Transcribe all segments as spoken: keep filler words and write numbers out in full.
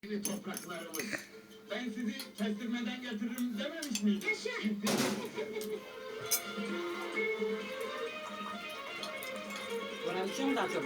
Topraklarımız. Ben sizi kestirmeden getiririm dememiş miydim? Yaşa! Bana bir şey mi de acaba?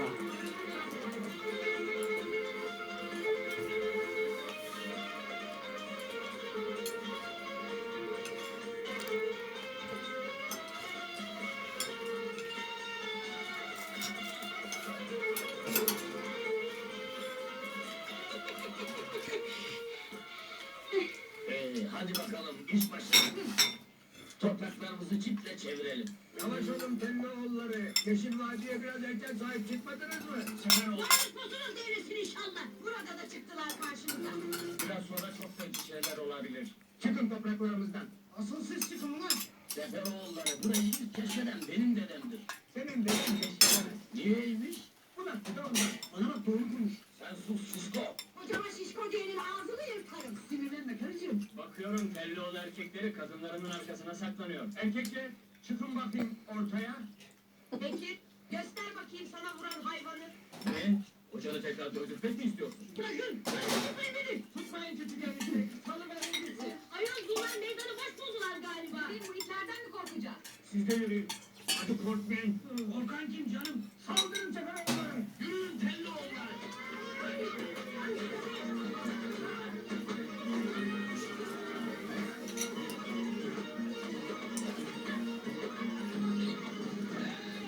Ee, hadi bakalım iş başına. Topraklarımızı çiple çevirelim. Yavaş olun Telloğulları. Yeşil Vadi'ye biraz erken sahip çıkmadınız mı? Sefer ol. Konuşmasunuz devresin inşallah. Burada da çıktılar karşımıza. Biraz sonra çok kötü şeyler olabilir. Çıkın topraklarımızdan. Asıl siz çıkın ulan. Seferoğulları burayı ilk keşfeden benim dedemdir. Senin deden keşfedemez. Niyeymiş? Bu dakika da ondan. Bana bak doğru konuş. Sen sus şişko. Kocama şişko diyenin ağzını yırtarım. Sinirlenme karıcığım. Bakıyorum Telloğlu erkekleri kadınlarının arkasına saklanıyor. Erkekler çıkın bakayım ortaya. Peki göster bakayım sana vuran hayvanı. Ne? Hocanı tekrar dövdürtmek mi istiyorsun? Bırakın. Tutmayın beni. Tutmayın küçük enişte. Salıverin gitsin. Ayol bunlar meydanı boş buldular galiba. Biz bu itlerden mi korkacağız? Siz de yürüyün. Hadi korkmayın. Korkan kim canım?